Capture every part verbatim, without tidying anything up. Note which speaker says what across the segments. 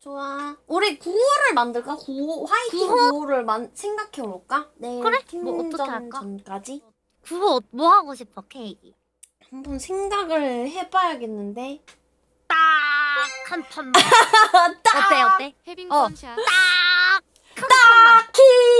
Speaker 1: 좋아. 우리 구호를 만들까? 구호, 화이팅
Speaker 2: 구호?
Speaker 1: 구호를 만, 생각해볼까? 내일
Speaker 2: 그래? 뭐
Speaker 1: 팀전
Speaker 2: 어떻게 할까?
Speaker 1: 전까지?
Speaker 2: 그거 뭐 하고 싶어, 케이크?
Speaker 1: 한번 생각을 해봐야겠는데.
Speaker 2: 딱 한 판만.
Speaker 1: 딱!
Speaker 2: 어때 어때?
Speaker 3: 해빙
Speaker 2: 어.
Speaker 3: 펀샷.
Speaker 2: 딱 한 판만.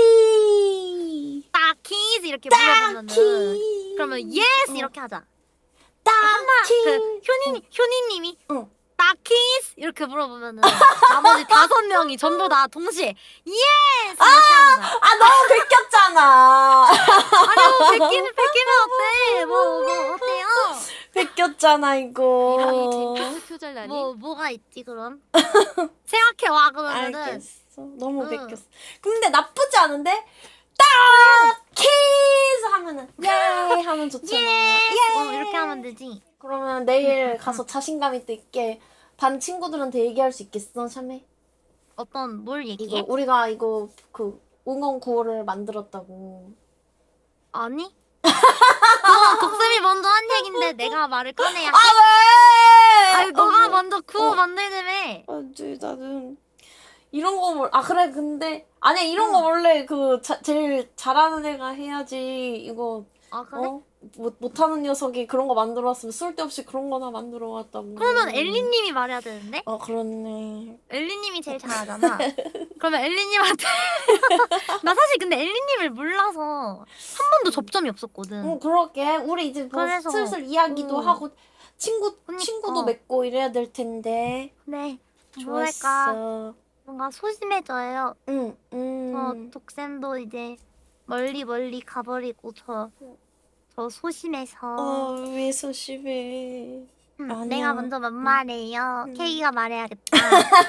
Speaker 1: 키!
Speaker 2: 딱 키즈 이렇게 물어보면은
Speaker 1: 키!
Speaker 2: 그러면 예스
Speaker 1: 어.
Speaker 2: 이렇게 하자.
Speaker 1: 키!
Speaker 2: 그 효니 효니님이
Speaker 1: 응.
Speaker 2: 딱 키즈 이렇게 물어보면은 나머지 다섯 명이 전부 다 동시에 예스 이렇게 하는 거야.
Speaker 1: 아, 너무 베꼈잖아.
Speaker 2: 아니 뭐 베끼는 베끼면 어때? 뭐 뭐 어때요?
Speaker 1: 베꼈잖아,
Speaker 3: 이랑이
Speaker 1: 이거.
Speaker 3: 쟁크 표절라니.
Speaker 2: 뭐 뭐가 있지 그럼? 생각해 와 그러면은.
Speaker 1: 알겠어. 너무
Speaker 2: 응.
Speaker 1: 베꼈어. 근데 나쁘지 않은데? 딱! 키스! 하면은, 예! 하면 좋잖아.
Speaker 2: 예스 어, 이렇게 하면 되지.
Speaker 1: 그러면 내일 가서 자신감 있게 반 친구들한테 얘기할 수 있겠어, 샤메?
Speaker 2: 어떤 뭘
Speaker 1: 이거
Speaker 2: 얘기해?
Speaker 1: 우리가 이거 그 응원 구호를 만들었다고.
Speaker 2: 아니? 그건 독쌤이 먼저 한 얘긴데 내가 말을 꺼내야 해?
Speaker 1: 아 왜?
Speaker 2: 아니 너가
Speaker 1: 어,
Speaker 2: 먼저 구호
Speaker 1: 어.
Speaker 2: 만들자며.
Speaker 1: 안돼 나는 이런 거 뭘? 아 그래 근데 아니야 이런
Speaker 2: 응.
Speaker 1: 거 원래 그 자, 제일 잘하는 애가 해야지 이거
Speaker 2: 아 그래?
Speaker 1: 어? 못, 못하는 녀석이 그런 거 만들어 왔으면 쓸데없이 그런 거나 만들어 왔다고.
Speaker 2: 그러면 엘리님이 말해야 되는데?
Speaker 1: 어 그렇네.
Speaker 2: 엘리님이 제일 잘하잖아. 그러면 엘리님한테 나 사실 근데 엘리님을 몰라서 한 번도 접점이 없었거든.
Speaker 1: 응 그러게 우리 이제 뭐
Speaker 2: 그래서,
Speaker 1: 슬슬 이야기도
Speaker 2: 응.
Speaker 1: 하고 친구
Speaker 2: 그니까.
Speaker 1: 친구도 맺고 이래야 될 텐데.
Speaker 2: 네. 뭐랄까
Speaker 1: 좋았어.
Speaker 2: 뭔가 소심해져요.
Speaker 1: 응
Speaker 2: 저
Speaker 1: 응.
Speaker 2: 독쌤도 이제 멀리 멀리 가버리고 저, 저 소심해서
Speaker 1: 어왜 소심해?
Speaker 2: 음,
Speaker 1: 아니야.
Speaker 2: 내가 먼저 만 말해요.
Speaker 1: 응.
Speaker 2: 케이가 말해야겠다.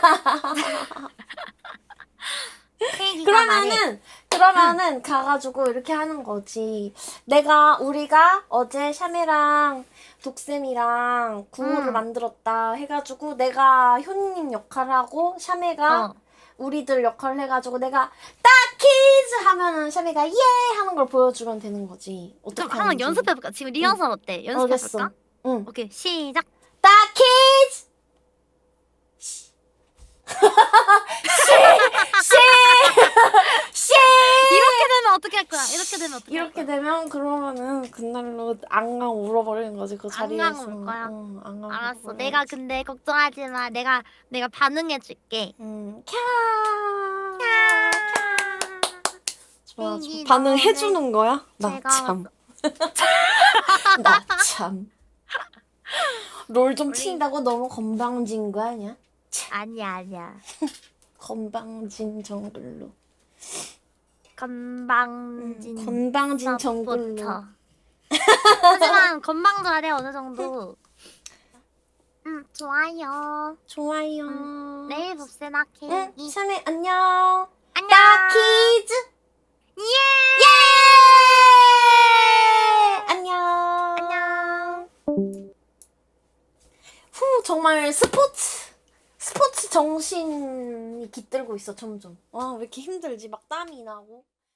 Speaker 2: 케이가 말해.
Speaker 1: 그러면은 그러면은 가가지고 이렇게 하는 거지. 내가 우리가 어제 샤메랑 독쌤이랑 구호를
Speaker 2: 응.
Speaker 1: 만들었다 해가지고 내가 효님 역할하고 샤메가
Speaker 2: 어.
Speaker 1: 우리들 역할을 해가지고 내가 딱 키즈 하면은 샤메가 예 하는 걸 보여주면 되는 거지. 어떻게
Speaker 2: 그럼 한번
Speaker 1: 하는지.
Speaker 2: 연습해볼까? 지금 리허설 어때?
Speaker 1: 알겠어.
Speaker 2: 연습해볼까?
Speaker 1: 응.
Speaker 2: 오케이 시작.
Speaker 1: 딱 키즈. 씨.
Speaker 2: 이렇게 되면 어떻게 할 거야? 이렇게 되면 어떻게 할
Speaker 1: 이렇게
Speaker 2: 거야?
Speaker 1: 되면 그러면은 그날로 앙앙 울어버리는 거지 그 자리에서.
Speaker 2: 앙앙 울 거야?
Speaker 1: 응, 앙앙
Speaker 2: 알았어.
Speaker 1: 울어버려야지.
Speaker 2: 내가 근데 걱정하지 마. 내가 내가 반응해줄게.
Speaker 1: 응. 캬.
Speaker 2: 캬.
Speaker 1: 좋아, 좋아.
Speaker 2: 땡기
Speaker 1: 반응해주는 거야? 나
Speaker 2: 제가
Speaker 1: 참. 나 참. 롤 좀
Speaker 2: 우리-
Speaker 1: 친다고 너무 건방진 거 아니야?
Speaker 2: 아니야 아니야.
Speaker 1: 건방진 정글로.
Speaker 2: 건방진.
Speaker 1: 응, 건방진 정글로.
Speaker 2: 부터. 하지만 건방져야 돼 어느 정도. 음 좋아요.
Speaker 1: 좋아요.
Speaker 2: 음, 내일 봅시다 케이크.
Speaker 1: 응, 샤메 안녕.
Speaker 2: 안녕.
Speaker 1: 딱 키즈.
Speaker 2: 예.
Speaker 1: 예! 안녕.
Speaker 2: 안녕.
Speaker 1: 후, 정말 스포츠, 스포츠 정신이 깃들고 있어, 점점. 와, 왜 이렇게 힘들지? 막 땀이 나고.